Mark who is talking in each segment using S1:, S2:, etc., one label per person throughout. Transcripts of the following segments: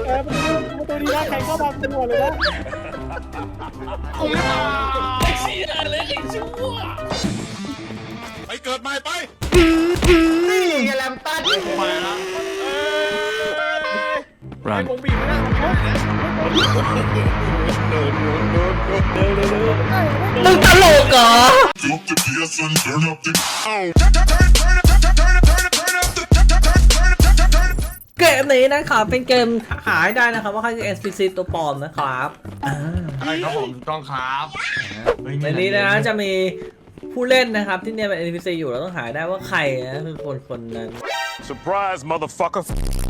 S1: ตัวนี้นะใครเข้ามาเป็นหัวเลยนะ
S2: กูไม่มาเชี่ยเลยไอ้ชั่ว
S3: ไปเกิดใหม่ไป
S4: นี่ไงแลมตัน
S2: ไปละ
S1: ไอ้วงบีบไม่ได้
S4: มึงตลกเหรอเกมนี้นะครับเป็นเกมหาได้นะครับว่าใครคือ NPC ตัวปลอมนะครับ
S2: ใช่ครับผมต้องครับ
S4: ในนี้นะจะมีผู้เล่นนะครับที่เนี่ยเป็น NPC อยู่เราต้องหาได้ว่าใครนะคือคนนั้น
S3: Surprise motherfucker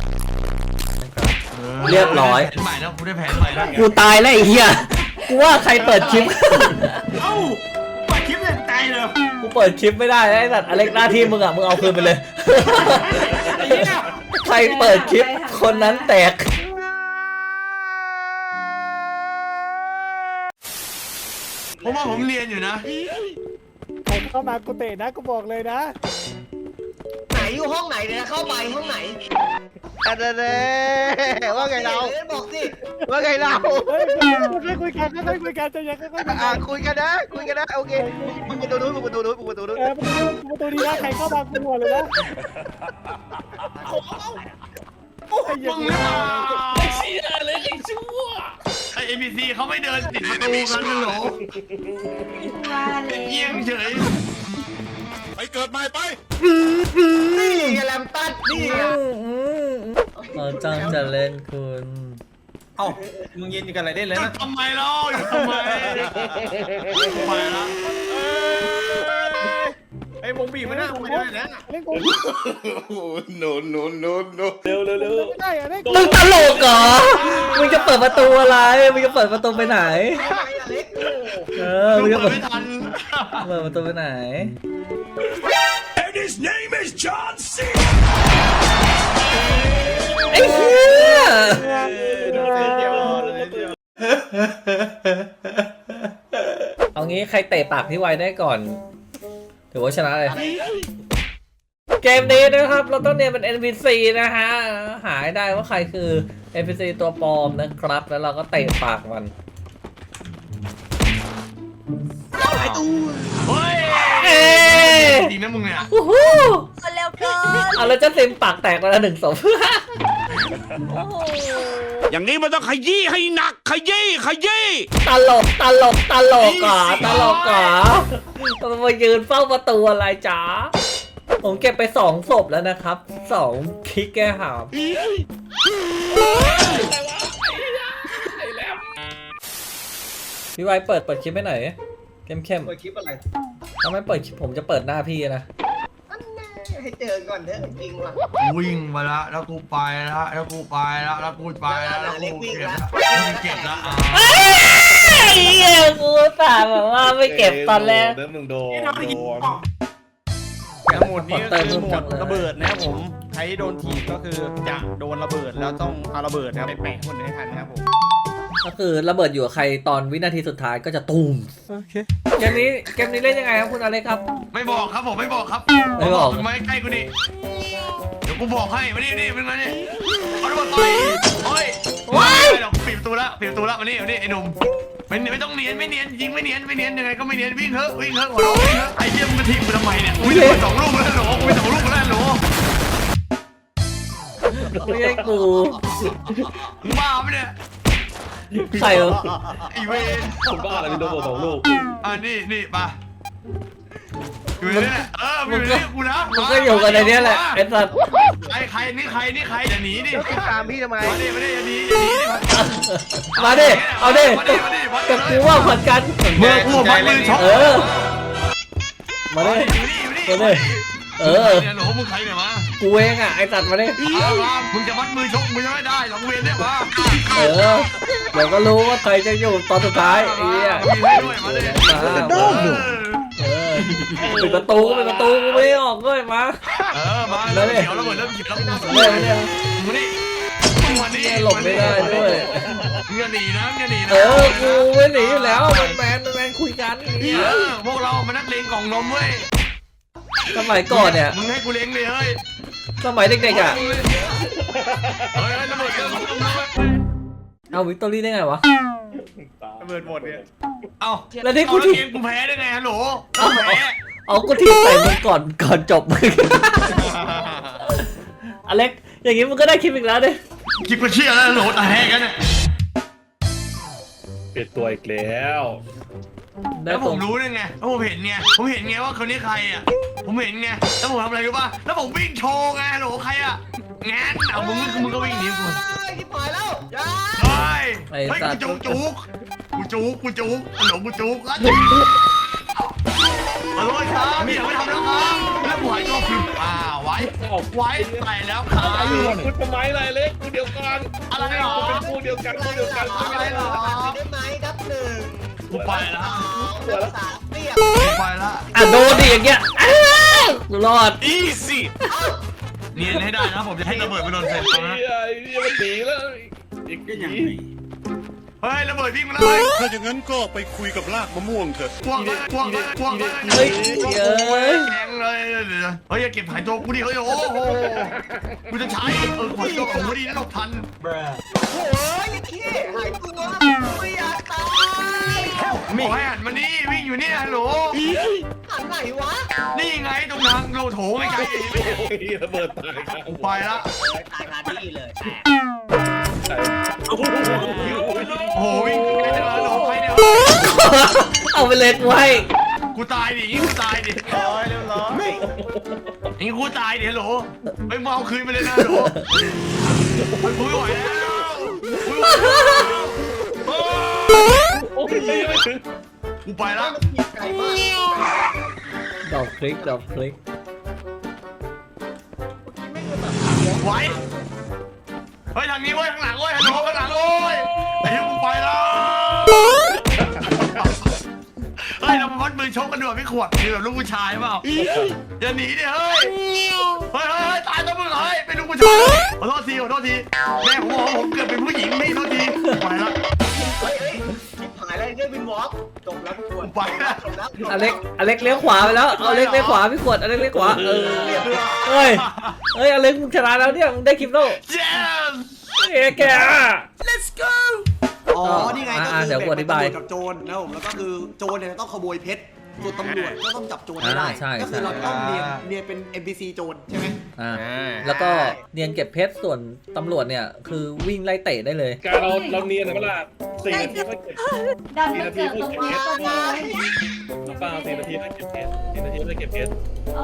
S4: เรียบร้อย
S2: แผนใหม่แล้วกูได้แผนใหม่แล้ว
S4: กูตายแล้วไอ้เหี้ยกูว่าใครเปิดคลิป
S2: เอ้าเปิดคลิปยังตายเลย
S4: กูเปิดคลิปไม่ได้ไอ้สัตว์อเล็กหน้าที่มึงอ่ะมึงเอาคืนไปเลยใครเปิดคลิปคนนั้นแตก
S2: ผมว่าผมเรียนอยู่นะ
S1: ใครเข้ามากูเตะนะกูบอกเลยนะ
S4: ไหนอยู่ห้องไหนเนี่ยเข้าไปห้องไหน
S5: เด้ว่าไงเรา
S4: บอกสิ
S5: ว่าไงเรา
S1: ไม่คุยกันไม่คุยกันจะยังค่อย
S5: คุยกันนะโอเคมึงประตูนู้นมึงประตูนู้น
S1: ประตูนี้นะใครเข้ามาเป็นหัวเลยนะ
S2: มึงไม่มาเชี่ยเลยไอ้ชั่วไอ้ NPC เขาไม่เดินติดประตูกันเลยหรอเยี่ยงเฉย
S3: ไปเกิดใหม่ไป
S4: นี่ไงแลมตันนี่ไงเราจ้องจะเล่นคุณ
S5: เอ้ามึงยืนกันอะไรได้เลยนะ
S2: ทำไมเล่าอยู่ทำไมไปละ
S5: ไอ้วงบีไม่ได้วงบีไม่ได้นะ
S1: เล่นกู
S3: โน
S1: เร็วไม่ได้อะเล่น
S4: มึงตลกเหรอมึงจะเปิดประตูอะไรมึงจะเปิดประตูไปไหนมึงจะเปิดประตูไปไหน
S3: And his name is John C
S4: ไอ้เหี้ยเอางี้ใครเตะปากพี่ไวได้ก่อนถือว่าชนะเลยเกมนี้นะครับเราต้องเนี่ยเป็น NPC นะฮะหาได้ว่าใครคือ NPC ตัวปลอมนะครับแล้วเราก็เตะปากมัน
S2: ไอ้ตู้เฮ้ยจริงนะมึงเนี่ย
S4: เร็วเกินเอาแล้วจะเต็มปากแตกไปแล้ว1 ศพ
S3: อย่างนี้มันต้องขยี้ให้หนักขยี้
S4: ตลกก่ะต้องมายืนเฝ้าประตูอะไรจ๊ะผมเก็บไป2 ศพแล้วนะครับ2 คลิกแก้หามพี่ไวเปิดคลิปให้หน่อยเข้ม
S5: เปิดคลิปอะไร
S4: ถ้าไม่เปิดคลิปผมจะเปิดหน้าพี่นะ
S5: ให้เจอก่อนเถอะจริงว่ะ
S2: วิ่งมาแล้วกูไปแล้วกูเก็บแล้วกูเ
S4: กูสาแบบว่าไม่เก็บตอนแรก
S3: มึงโดน
S5: หมดนี้ก็คือหมดระเบิดนะครับผมใครโดนถีบก็คือจะโดนระเบิดแล้วต้องเอาระเบิดไปแปะคนให้ทันนะครับผม
S4: ก็คือระเบิดอยู่กับใครตอนวินาทีสุดท้ายก็จะตูมโอเคเกมนี้เล่นยังไงครับคุณอะไรครับ
S2: ไม่บอกครับผมไม่บอกครับมึงมาใกล้กูดิเดี๋ยวกูบอกให้มานี่เป็นไงนี่เอาระเบิดต่อยโอ้ยปิดประตูละมานี่ไอ้หนุ่มไม่ต้องเนียนไม่เนียนยิงไม่เนียนยังไงก็ไม่เนียนวิ่งเถอะหัวเราะวิ่งเถอะไอ้เหี้ยมึงมาทีมกูทำไมเนี่ยกูจะ2 ลูกแล้วหรอกูไป2 ลูกแล้วหรอ
S4: ไม่ใช่กู
S2: มึงบ้าไหมเนี่ย
S4: ใส่
S2: ไอเวน
S5: ผมบ้าอะไรมีโดน2 ลูก
S2: นี่ป่ะอยู่นี่แหละอยู่นี่กูนะ
S4: มึงก็อยู่กันในนี้แหละไอ้สัตว์
S2: ใครอย่าหนีดิ
S5: ตามพี่ทำไม
S2: มาดิอย่าหนี
S4: มาดิเอาดิแต่กูว่าผัดกัน
S2: เมื่อกูมัดมือช็อต
S4: มาดิห
S2: นูมึงใครเนี่ยมา
S4: กูเองอ่ะไอ้สัตว์มาดิ
S2: มึงจะมัดมือชกมึงจะไม่ได้หลังเวรเนี่ยมา
S4: เดี๋ยวก็รู้ว่าใครจะอยู่ตอนสุดท้ายไอ้เนี่ยปิดประตูกูไม่ออกด้วยมา
S2: มาแล้วเดี๋ยวระเบิดเริ่มหยิบแล้วมึงนี่
S4: หลบไม่ได้ด้วย
S2: มึงอย่าหนีนะ
S4: กูไม่หนีอยู่แล้วแมนคุยกัน
S2: พวกเรามานักเลงกล่องนมเว้ย
S4: สมัยก่อนเนี่ย
S2: มึงให้กูเลี้ยงเลยเฮ้ย
S4: สมัยเด็กๆอ่ะ
S2: เฮ้ยระเบิดเริ่ม
S4: เอาวิกตอรี่ได้ไงวะ
S5: ระเบิดหมดเนี่ย
S2: เอ้า
S4: แล้วที่กู
S2: เอา
S4: ถี
S2: เก
S4: บ
S2: มกูแพ้ได้ไงฮัลโหล
S4: เอา
S2: กูแพ้
S4: เอากูถีบใส่มึงก่อนจบมึงอเล็กอย่างงี้มึงก็ได้คลิปอีกแล้วดิ
S2: คิดกูเชื่อแล้วฮัลโหลแต่แพ้กันเนี่ย
S6: เปลี่ยนตัวอีกแล้ว
S4: ได้
S2: แล้ว
S4: ต
S2: ผ
S4: รง
S2: มรู้ได้ไงแล้วผมเห็นไงว่าคนนี้ใครอ่ะผมเห็นไงแล้วผมทำอะไรรู้ป่ะแล้วผมวิ่งโชว์ไงฮัลโหลใครอ่ะงั้นเอามึงก็วิ่งหนีกู
S5: ที่ปล่อยแล้วอย่า
S2: เฮ้ยกูจุกฮัลโหลกูจุกขอโทษครับพี่อย่าไปทำแล้วครับแล้วหัวก็คือไว้ใส่แล้วครับ
S6: คุณทำไมอะไรเล็กกูเดียวกัน
S2: อะไรหรอ
S6: เป็นคู่เดียวกันคู่เดียวกัน
S2: อะไรหรอ
S5: ได้ไหมนับหนึ่ง
S2: กูไปแล้ว
S5: นับสามเรียบ
S2: กูไปแล้ว
S4: อ่ะโดนดิอย่างเงี้ยอ้าวรอด
S2: easy เนียนให้ได้นะผมจะให้ระเบิดไปโดนเซนตรงนั้น
S6: ไอ้นี่มันหนีแล้วอีกอย่างนี้
S2: เฮ้ยระเบิดวิ่งมาแล้วเฮ้ย
S3: ถ้าอย่างนั้นก็ไปคุยกับรากมะม่วงเถอะ
S2: กวางเลย
S4: เฮ้ยเอ้ย
S2: แกงเลยเฮ้ยอย่าเก็บหายตัวกูดิเฮ้ยโอ้โหกูจะใช้ขายตัวของกูดีนะหลบทัน
S5: โอ้ยขี้หายตัวไม่อยากตาย
S2: บอกให้หันมานี่วิ่งอยู่นี่ฮัลโหล
S5: หันไหนวะ
S2: นี่ไงตรงทางโลโถไม่ไกล
S6: ระเบิดตายกัน
S2: กูไปละ
S5: ตายคาที่เลย
S6: โอ้โห
S2: โอ้โหวิ่งไปเจอฮัลโหลใครเนี่ย
S4: เอาไปเล็กไว้
S2: กูตายดิกูตายดิ
S5: ร้อยเรียบร้อย
S2: นี่กูตายดิฮัลโหลไปเมาคืนไปเลยนะฮัลโหลกูไม่ไหวแล้วกูไม่ไหวแล้ว
S6: โอ้ยไม่ถึง
S2: กูไปละ
S5: ไก่มาก
S4: ดอกคลิก
S2: ไหวเฮ้ยทางนี้เว้ยข้างหลังเว้ยฮัลโหลข้างหลังเว้ยไอ้เหี้ยกูไปแล้วเฮ้ยเรามาวัดมือชกกันดีกว่าพี่ขวดคือแบบลูกผู้ชายเปล่าอย่าหนีดิเฮ้ยเฮ้ยตายตัวมึงเฮ้ยเป็นลูกผู้ชายขอโทษทีแม่ผมบอกว่าผมเกิดเป็นผู้หญิงไม่โทษทีไปละ
S5: เฮ้ยหายแล้วเนี่ยวินวอล์กจบแล้วทุกคน
S2: ไปละ
S5: จบแล้ว
S4: อเล็กเลี้ยวขวาไปแล้วเอาเล็กเลี้ยวขวาพี่ขวดอเล็กเลี้ยวขวาเฮ้ยอเล็กมึงชนะแล้วเนี่ยมึงได้คลิปแล้ว
S2: yes
S4: เอ้แก
S7: อ๋อ นี่ไงก็
S4: เดี๋
S7: คื
S4: ยว
S7: อ
S4: กูอธิบาย
S7: ตำรวจกับโจรนะครับผมแล้วก็คือโจรเนี่ยต้องขโมยเพชรส่วนตำรวจก็ต้องจับโจรให้ได้
S4: ใช่
S7: ก็คือเราต้องเรียนเป็น NPC โจรใช่ไหม
S4: แล้วก็เนียนเก็บเพชรส่วนตำรวจเนี่ยคือวิ่งไล่เตะได้เลย
S6: การเราเนียนเวลา4 นาทีก็เก็บ
S8: ดันมาเกิดตรงนี้ก็ได้
S6: เปล่า4 นาทีก็เก็บเพชร4 นาทีก็เก็บเพชร
S8: เอา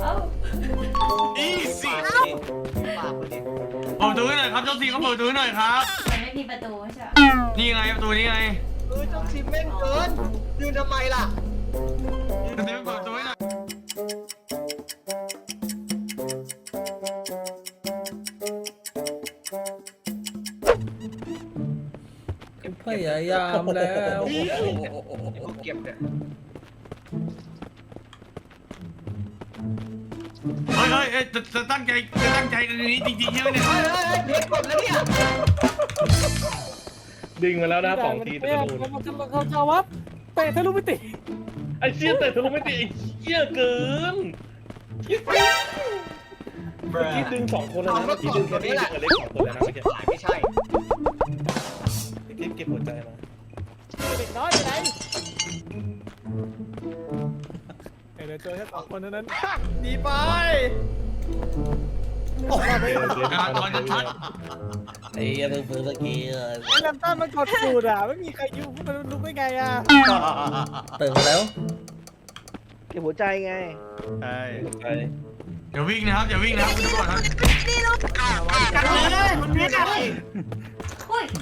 S2: easy
S5: ฝากคนนี้
S2: เปิดประตูให้หน่อยครับเจ้าทีเขาเปิดประตูให้หน่อยครับ
S8: มันไม่มีประตูใช่ไหม
S2: นี่ไงประตูนี่ไง
S5: เจ้าทีมแม่งเกินยืนทำไมล่ะ
S2: เดี๋ยวเปิดประตูให้หน่อย
S4: พยายามแล้ว
S5: เก็บเนี่ย
S2: เฮ้ยจะตั้งใจกันนี้จริงๆใช่ไหมเนี่ย
S5: เด็กกดแล้วเนี่ย
S6: ดึงมาแล้วนะ2 ทีแต่
S1: เนี่ย
S6: โดน
S1: เขาจะวับเตะทะลุมิติ
S6: ไอ้เชี่ยแต่ทะลุไม่ติดไอ้เชี่ยเกินที่ดึง2 คนแล้วนะที่ดึงคนนี้แหละเล็ก2 คนแล้วนะเมื่อกี้
S5: ไม่ใช่
S6: เก็บหัวใจมา
S1: เด็กน้อยไปไหนเดี๋ยวเจอแค่2 คนเท่านั้น
S5: ดีไป
S2: ตอนชัด
S4: ไอ้ยังเพิ่งเมื่อกี้
S1: ไอ้ลำต้นมันกดสูดอ่ะไม่มีใครยุ่งมันลุกได้ไงอ่ะ
S4: ตื่นแล้ว
S5: เก็บหัวใจไง
S6: ใช่ไป
S2: อย่าวิ่งนะครับอย่าวิ่งนะครับคุณตำรวจครับ
S5: กันเลยมันมีอะไร
S8: อุ้ย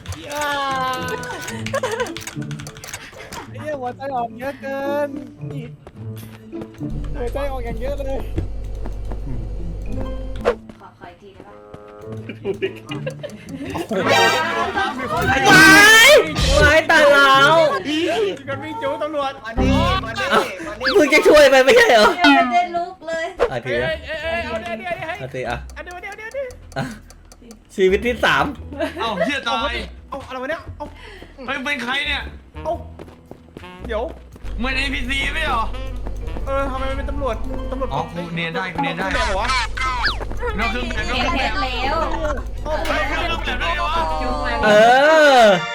S1: ไอ้เหี้ยหัวใจออกเยอะเกินหัวใจออกอย่างเยอะเลย
S8: ขออีกทีได้ปะ
S4: วายตายแล้ว
S5: กันวิ่งจูตำรวจมาดิมาดิมาดิ
S4: มึงจะช่วยไปไม่ใช่เหรอ
S8: ยังไม่ได้ลุกเลย
S4: อ่ะทีนะ
S1: เอาเดี๋ยว
S4: อ่ะทีอ่ะ
S1: เดี๋ยว
S4: อ่ะชีวิตที่
S2: เอ้าเฮียตาย
S5: เอาอะไรวะเนี่ยเอา
S2: เฮ้ยเป็นใครเนี่ย
S5: เอาเดี๋ยว
S2: เหมือน NPC ไม่เหรอ
S5: ทำไมมันเป็นตำรวจ
S2: อ๋อกูเนียนได้
S5: เหรอวะ
S2: นอกเครื่องแบบ
S8: เก็บเพชรแล้ว
S2: เครื่องแบบได้เหรอวะ
S8: จุกมา
S4: 3 เออ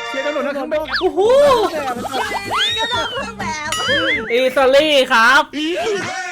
S5: เครื่องแบบ
S4: โอ้โห
S1: แต่มัน
S8: ก็นอกเครื่องแบบ
S4: อีซาลี่ครับ
S3: Hey!